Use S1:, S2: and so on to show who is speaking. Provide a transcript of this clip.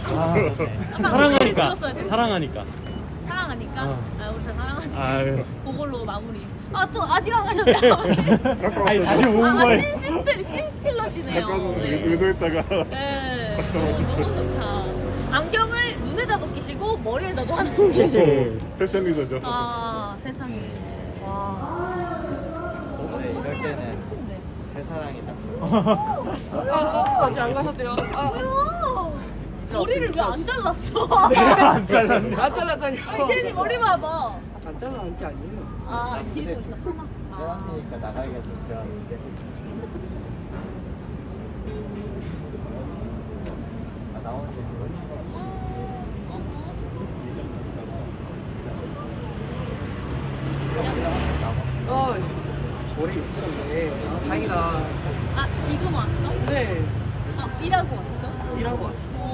S1: 사랑하니까. 사랑하니까.
S2: 사랑하니까?
S1: 어.
S2: 아, 우리 다 사랑하지.
S1: 아유.
S2: 그걸로 마무리. 아, 또 아직 안 가셨네.
S1: 아니 다시 온 거예요.
S2: 신스틸러시네요.
S3: 잠깐
S2: 네.
S3: 의도했다가
S2: 네.
S3: 다시 돌아오시죠.
S2: 너무 좋다. 안경을 눈에다도 끼시고 머리에다도 하는 게.
S3: 네. 패션 리더죠.
S2: 아, 세상에. 와.
S4: 원래 이럴 때는
S2: 끝인데.
S4: 새 사랑이다.
S5: 아직 안 가셨대요.
S2: 뭐야? 머리를 왜 안 잘랐어?
S1: 안 잘랐네.
S5: 안 잘랐다니.
S2: 아니, 제니 머리 봐봐.
S5: 안 잘라는 게 아니에요.
S2: 아, 뒤에 좀 있다. 파마.
S4: 회원이니까 나가기가 좀 그러는데. 아, 나오는 게
S5: 어, 오래 있었네. 아, 다행이다.
S2: 아, 지금 왔어?
S5: 네,
S2: 아, 일하고 왔어?
S5: 일하고 왔어.